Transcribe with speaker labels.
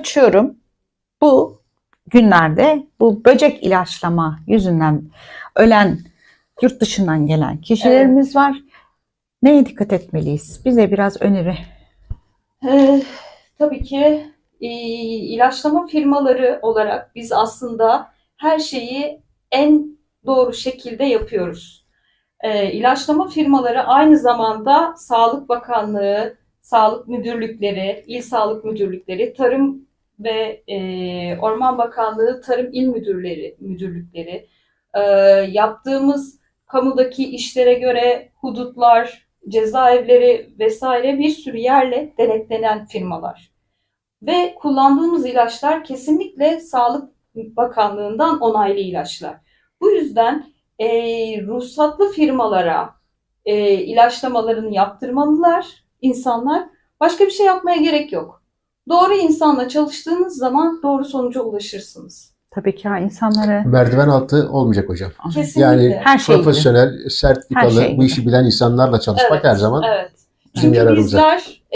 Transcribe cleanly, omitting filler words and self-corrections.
Speaker 1: açıyorum. Bu günlerde bu böcek ilaçlama yüzünden ölen, yurt dışından gelen kişilerimiz var. Neye dikkat etmeliyiz? Bize biraz öneri.
Speaker 2: Tabii ki ilaçlama firmaları olarak biz aslında her şeyi en doğru şekilde yapıyoruz. İlaçlama firmaları aynı zamanda Sağlık Bakanlığı, Sağlık Müdürlükleri, İl Sağlık Müdürlükleri, Tarım ve Orman Bakanlığı, Tarım İl Müdürlükleri, yaptığımız kamudaki işlere göre hudutlar, cezaevleri vesaire bir sürü yerle denetlenen firmalar. Ve kullandığımız ilaçlar kesinlikle Sağlık Bakanlığı'ndan onaylı ilaçlar. Bu yüzden ruhsatlı firmalara ilaçlamalarını yaptırmalılar insanlar. Başka bir şey yapmaya gerek yok. Doğru insanla çalıştığınız zaman doğru sonuca ulaşırsınız.
Speaker 1: Tabii ki insanlara
Speaker 3: Merdiven altı olmayacak hocam.
Speaker 2: Kesinlikle.
Speaker 3: Yani
Speaker 1: her şey
Speaker 3: profesyonel, sertifikalı,
Speaker 1: Her şey
Speaker 3: bu işi bilen insanlarla çalışmak
Speaker 2: Evet,
Speaker 3: her zaman
Speaker 2: evet.
Speaker 3: bizim
Speaker 2: Çünkü
Speaker 3: yararımıza.
Speaker 2: bizler